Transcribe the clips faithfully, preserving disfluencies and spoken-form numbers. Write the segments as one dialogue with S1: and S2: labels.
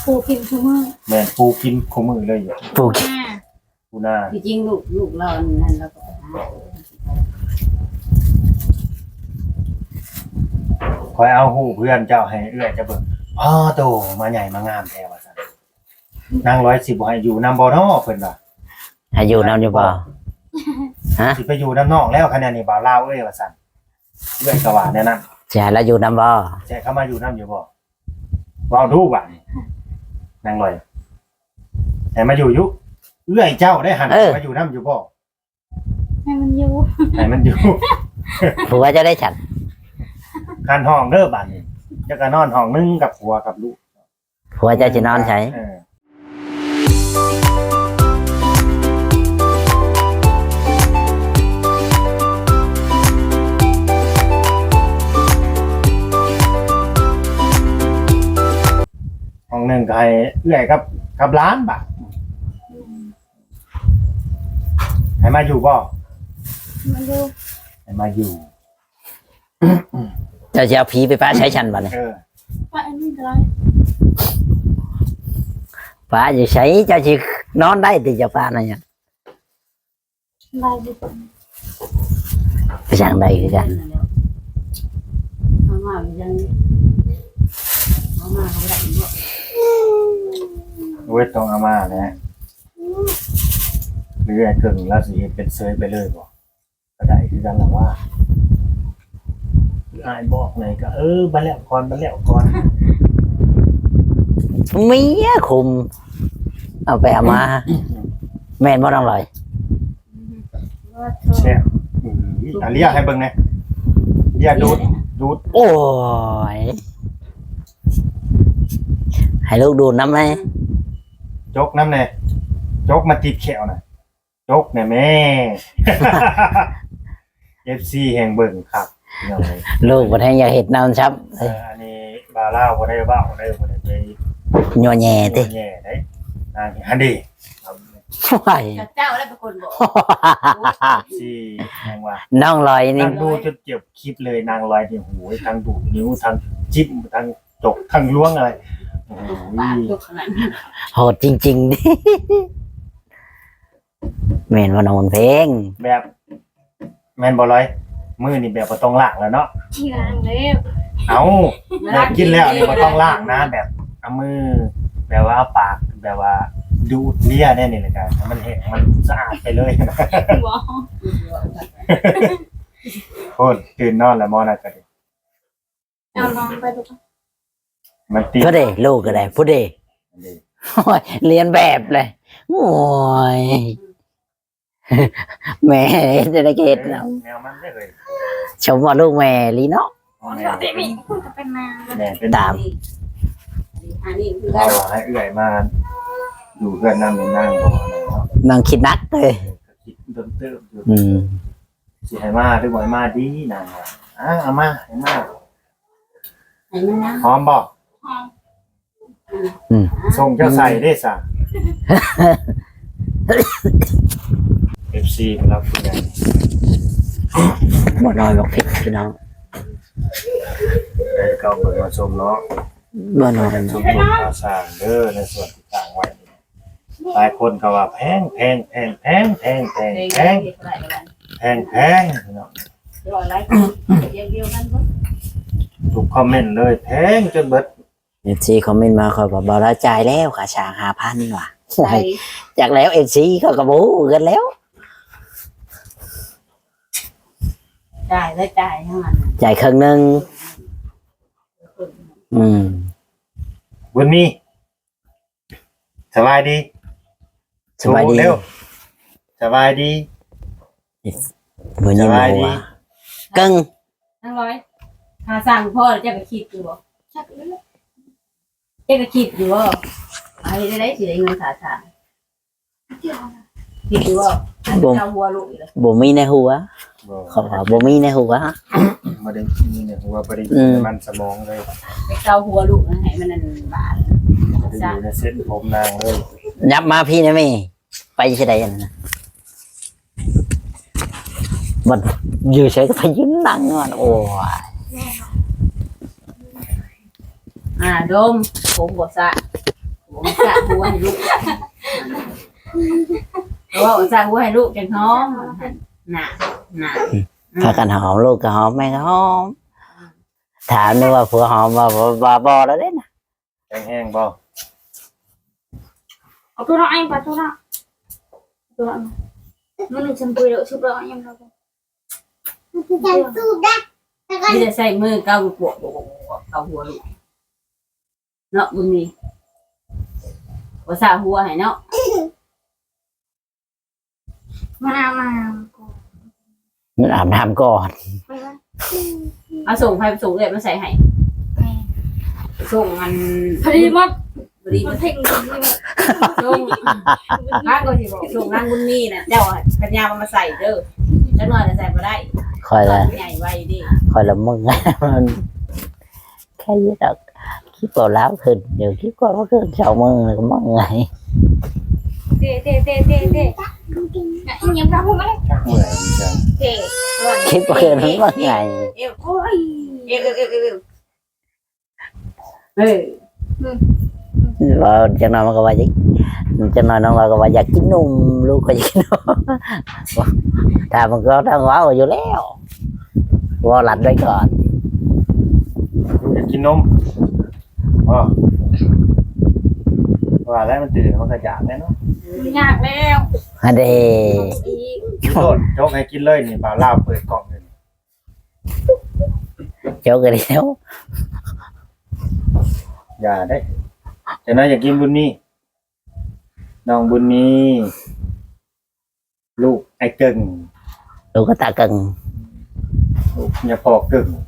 S1: ปูกินชั่วโมง
S2: แม่นปูกินคู่มือเลยอยู่
S3: ปลูก
S2: ปูหน้า
S4: จริงๆลูกลูกเรานั่นเราก็หา
S2: คอยเอาหูเพื่อนเจ้าให้เอื้อยจะเบิ่งพ่อโตมาใหญ่มางามแท้ว่าซั่นนางร้อยสิบบ่ให้อยู่นำบ่น้อเพิ่นว่า
S3: อายุนำอยู่บ่ฮะ
S2: สิไปอยู่นำนอกแล้วคะแนนนี่บ่าวลาวเอ้ยว่าซั่นเอื้อยก็ว่าแน่นั้น
S3: จะแล้วอยู่นำบ่
S2: แจกเข้ามาอยู่นำอยู่บ่เว้าดูบัดนี้นางร้อยให้มาอยู่อยู่เอื้อยเจ้าได้หันมาอยู่นำอยู่บ่
S1: ให้มันอยู่
S2: ให้มันอยู่
S3: ผัวจะได้ฉัน
S2: คันห้องเด้อบัดนี้จะก็นอนห้องนึงกับผัวกับลูก
S3: ผัวจะจะนอนใช้
S2: เออห้องหนึ่งก็ให้เอื้อยกับกับร้านบาทให้มาอยู่บ่
S1: มันอยู่
S2: ให้มาอยู่
S3: จะจะเอาผีไปป้าใช้ฉันบ่เนี่ย
S2: เออ
S1: ว่าอันนี้อะไร
S3: ป้าจะใช้จะจะนอนได้ติจะป้านั่นเนี่ย
S1: ลายบุตร
S3: ไปสั่งได้คือกัน
S4: เอามายังเอามาเขาได้บ่
S2: เวทต้องเอามานะหรือไอ้เครื่องแล้วสิเฮ็ดเป็นเซยไปเลยบ่ก็ได้คือกันล่ะว่าอายบอกไหนก็เออบัดแล้วก่อนบัดแล้วก่อน
S3: เมียคุมเอาไปเอามาแม่นบ่ต้องลอย
S2: แซ่บอืมอ่ะเรียกให้เบิ่งหน่อยเรียกดูดดูด
S3: โอ้ยให้ลูกดูน้ำไหม
S2: จกน้ำแน่จกมาติดแขวน่ะจกแน่แม่ เอฟ ซี แห่งเบิ่งครับพี่น้องเอ้ย
S3: ลูกบ่ให้อยากเห็ดน้ำชับ
S2: เอออันนี้บาล่าวบ่ได้เว้าได้บ่ได้ไป
S3: ยัวแย่ติ
S2: แย่ได้นางอันนี้ครับ
S3: ว้าย
S4: เจ้าแล้วเป็นคนบอก
S2: ที่แห่งว่า
S3: น้องลอยนี่
S2: นางดูจนเจ็บคลิปเลยนางลอยที่หูยทั้งดูดนิ้วทั้งจิ้มทั้งจกทั้งล้วงอะไรโอ้โห
S4: ปากยกขนาดนั้น
S3: โหดจริงๆดิแม่นว่านอนเพลง
S2: แบบแม่นบ่ร้อยมือนี่แบบบ่ต้องล้างแล้วเนาะ
S1: ที่ร้านเลย
S2: เอาแบบกินแล้วนี่บ่ต้องล้างนะแบบเอามือแบบว่าเอาปากแบบว่าดูดเลียแน่นี่เลยกันมันเห็นมันสะอาดไปเลย
S1: บอก
S2: โคตรตื่นนอนแล้วมอนะก็ดิ
S1: เอาลองไปดูกัน
S2: มันติด
S3: พูดเด้ลูกก็ได้พูดเด้โอ้ยเรียนแบบเลยโอ้ยแม่จะได้เกตแล้ว
S2: แนวมันได้เลย
S3: ชมว่าลูกแม่ลีเนาะ
S2: แน
S1: ป
S2: ว
S1: กติมีพูดจะเป็นนาง
S2: แม่เป็น
S3: ตาม
S4: อันนี้คือ
S2: เราให้เอื่อยมาอยู่เพื่อนนั่งนั่งบ่อะไรเนาะ
S3: นางคิดนักเลย
S2: ก็คิดเติมเติมอยู่
S3: อืม
S2: สิให้มาหรือบ่ให้มาดีนางว่าอ่ะเอามาให้มา
S4: ไอ้มันนะ
S2: พร้อมบ่
S1: หอม
S3: อืม
S2: ส่งเจ้าใส่ได้ซะ เอฟ ซี รับผู้ใหญ่
S3: บ่น้อยบอกผิดพี่น้อง
S2: ได้เก่าเบิ่งมาชมเนาะ
S3: บ่น้อย
S2: ชมชมข่าวสารเด้อในส่วนที่ต่างไว้นี่หลายคนก็ว่าแพงแพงแพงแพงแพงแพง
S4: เด็ก
S2: แพง
S4: เด็กอะไรกัน
S2: แพงแพงพี่น้อง
S4: ร้อยไรเดียวเดียวกันบ่
S2: ทุกคอมเมนต์เลยแพงจนเบิด
S3: เอฟซีคอมเมนต์มาเขาบอกบ่ละจ่ายแล้วค่าช่างห้าพันว่ะ
S4: ใส่
S3: จากแล้วเอฟซีเขาก็บ่กันแล้ว
S4: จ่ายแล้วจ่ายทั้งนั้น
S3: จ่ายครึ่งหนึงอืม
S2: บุญมีสบายดี
S3: สบายดี
S2: เร็วสบายดี
S3: บ่ยิ้มหัวกึ่ง
S4: ทั้งร้อยหาสั่งพ่อเจ้าก็คิดอยู่บ่
S1: ชักเลือด
S4: เจ้าก็คิดอยู่บ่ไอ้ได้ได้สิได้เงินสาธารณ
S1: เดียว
S4: คิดอยู่บ่เจ้าหัวลูกอีกแล้ว
S3: บ่มีในหัว
S2: บ่
S3: เขาว่าบ่มีในหัว
S2: บ่ได้มีเนี่ยหัวบ่ได้
S3: อืม
S2: มันสมองเลย
S4: ไปเจ้าหัวลูกนะให้มันนั่นบาด
S2: บ่ได้อยู่ในเส้นผมนางเลย
S3: ยับมาพี่นะแม่ไปที่ใดอันนั้นน่ะบัดอยู่เฉยก็ไปยืนนั่งอ่ะโอ้ย
S4: อ่าดมผมบ่สะผมสาหัวให้ลูกเพราะว่าผมสาหัวให้ลูกจังท้องหนาหนา
S3: ถ้ากันหอมลูกก็หอมแม่ก็หอมถามนึกว่าผัวหอมว่าบ่บ่แล้วเด้นะ
S2: แห้งๆบ่
S1: เอาตัวเราเองไปตัวเราตัวเรามันหนึ่งชั้นปุยแล้วชุบเราเองเรา
S4: ที่จะใส่มือเกาปวกเกาหัวลูกเนาะบุญมีภาษาหัวให้เนาะ
S1: มามา
S3: มันอาบน้ำก่อน
S1: ไปวะ
S4: เอาส่งใครส่งเลยมาใส่ให้ส่งมัน
S1: พอดีมั้ง
S4: พอดี
S1: มั
S4: มัน น
S1: เพ่งดีมั้ง
S4: ส่งร้านก็สิบอกส่งร้านบุญมีน่ะเจ้าปัญญามาใส่เด้อจังหน่อยจะใส่บ่ได้
S3: คอยละ
S4: ใหญ่ไว้ดิ
S3: คอยละมึง มันแค่นี้ดอกคิดก่อนแล้วขึ้นเดี๋ยวคิดก่อนว่าขึ้นเช้ามึงก็มึงไง
S1: เตะเตะเตะเตะเตะยังรับผมไหม
S2: ชักเมื่อยจัง
S1: เตะ
S3: คิดว่าขึ้นมึงไง
S4: เอวโอ้ยเอวเอวเอวเอวเออ
S3: ว่าจังหน่อยมันก็ว่าอยากจังหน่อยน้องเราก็ว่าอยากกินนมลูกก็อยากกินนมแต่มันก็ต้องว้าวอยู่แล้วว่าหลัดไว้ก่อน
S2: ลูกอยากกินนมอ๋อว่าแล้วมันตื่นมันก็อยากแน่เนาะ
S1: ยากแล้ว
S3: อันเด
S1: อีก
S2: กินโดดโจกให้กินเลยนี่บ่าวลาวเปิดกล่องเลย
S3: เจ้ากันแล้ว
S2: อย่าได้แต่น่าอยากกินบุญนี่น้องบุญนี่ลูกไอ้เก่ง
S3: ลูกก็ตากัง
S2: ลูกอย่าพอกึ่ง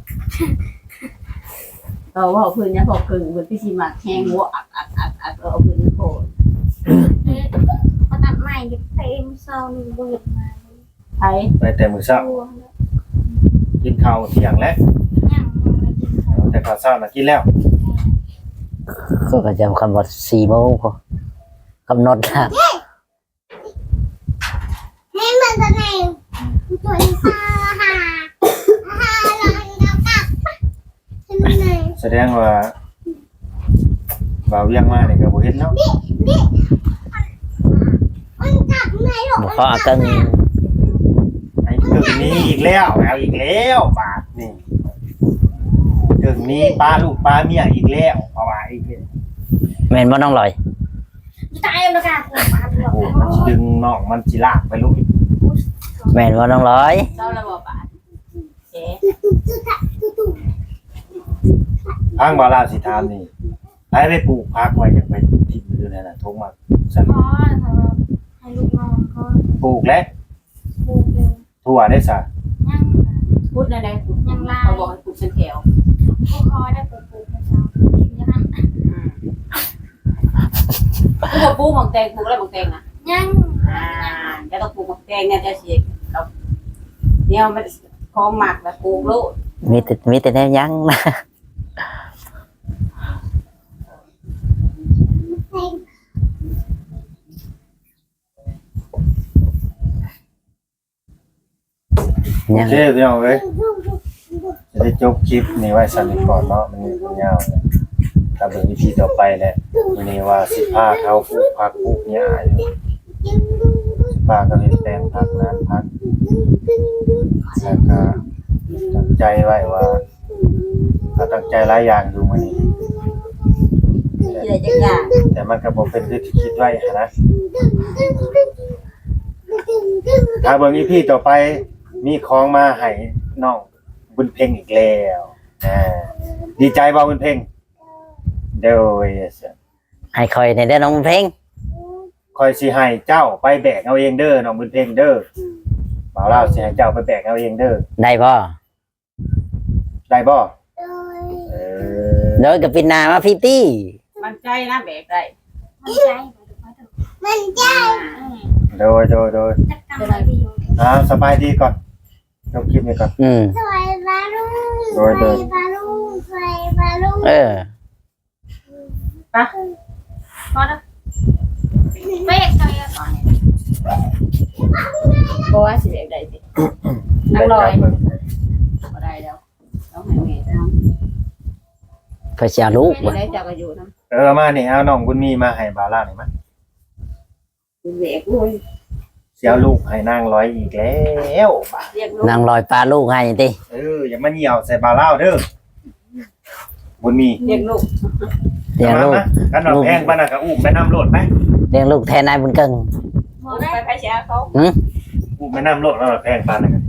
S4: เราว่าพื้นเนี่ยพอกึ่งบนพี่ชิมักแห้งหัวอักอักอักอักเอาพื้นโผล่
S1: มาตัดใหม่เต็มเซาหนึ่งเบิดมา
S4: ไทย
S2: ไปแต่มื้อเช้า
S1: ตัว
S2: กินข้าวเที่ยงแล้ว
S1: ยังไม่กินข้าว
S2: แต่ข้าวเช้าน่ะกินแล้ว
S3: ก็จะคำว่าสี่โมงพอกำหนดนะ
S1: ให้มันจะไหนตัวอีซ่าฮ่าฮ่าเราเรากลับให้มันไหน
S2: แสดงว่าบ่าวเวียงมานี่ก็บ่เห็นเนาะ
S1: มันกลับไหนหรอ
S3: บอกเขาอากัง
S2: ไอ้กึ่งนี้อีกแล้วเอาอีกแล้วบาดนี่กึ่งนี้ป้าลูกป้าเมียอีกแล้วเพราะว่าอีกแล้ว
S3: แม่นบ่น้องลอย
S1: ตายแล้วกันมาเถอะ
S2: โอ้มันสิดึงน้องมันสิลากไปลูก
S3: แม่นบ่น้องลอย
S4: เจ้าระบบบาทเอ๊ะ
S2: ทางบาลาสิถามนี่ไปไปปลูกพักไว้อยากไปที่มือนั่นน่ะทงมาสั่น
S1: อ๋อให้ลูกน้องเขา
S2: ปลูกแล้ว
S1: ปลูกเลย
S2: ทั่วได้ซะ
S1: ยัง
S4: พูดในใดพูดเขาบอกให้ปลูกเป็นแถว
S1: พวกเขาได้ปลูกปลูกนะจ๊ะกินยัง
S4: ปลูกปลูกหมกแตงปลูกอะไรหมกแตงอ่ะ
S1: ยัง
S4: อ่าจะต้องปลูกหมกแตงเนี่ยจะเสียกับเนี่ยมันคอหมักแบบปลูกลูก
S3: มีแต่มีแต่แนวยั้งนะ
S2: โอเคพี่น้องเอ้ยจะได้จบคลิปนี้ไว้สั่นก่อนเนาะมันยาวนะถ้าเบิ่ง อี พี ต่อไปแหละวันนี้ว่าสิพาเขาปลูกผักปลูกหญ้าอยู่พาก็เฮ็ดแปลงผักนั้นผักแล้วก็ตั้งใจไว้ว่าก็ตั้งใจหลายอย่างอยู่มื้อนี้
S4: ที่ไหนจะยาก
S2: แต่มันก็บ่เป็นคือที่คิดไว้หั้นนะถ้าเบิ่ง อี พี ต่อไปมีของมาให้น้องบุญเพ็งอีกแล้วอ่าดีใจบ่บุญเพ็งโดย
S3: ให้คอยในเด้อน้องเพลง
S2: คอยสิให้เจ้าไปแบกเอาเองเด้อน้องบุญเพ็งเด้อบ่าวลาวสิให้เจ้าไปแบกเอาเองเด้อ
S3: ได้บ่
S2: ได้บ่เออ
S3: โดยกับปินนามาพี่ตี้
S4: มันใจนะแบกได้
S1: มันใจมันใจ
S2: โดยโดยโดย
S1: จักกรรมอะไรดีอยู่
S2: อ่าสบายดีก่อนจบคลิปนี้ก่อน
S3: อืม
S1: สวยบาลูส
S2: โด
S1: วย ย
S2: โดย
S1: บาลูสวยบาลู
S3: เออ
S1: พอแล้วเบรกเลยก่อน
S4: บอกว่าสิแบกได้สินั่งลอยบ่ได้แล้วต้องให้แม่ทำ
S3: เพื่อจะเอาลูก
S4: ไม่
S3: บ่
S4: ได้เจ้าก็อยู่นะ
S2: เออมานี่เอาน้องบุญมีมาให้บาล่าหน่อยมั้ย
S4: เด็กโอ้ย
S2: เสียลูกให้นางร้อยอีกแล้วบาด
S4: เรียกลูก
S3: นางลอยปลาลูกให้ติ
S2: เอออย่ามาเหี่ยวใส่บาล่าเด้อบุญมี
S4: เรียกลูก
S3: เลี้ยงลูก
S2: กันว่าแพงปานน่ะก็อุ้มไปน้ำโลดไป
S3: เลี้ยงลูกแทนนายบุญเกิง
S4: ไปไปเชียเขา
S2: อุ้มไปน้ำโลดแล้วแพงปานน่ะ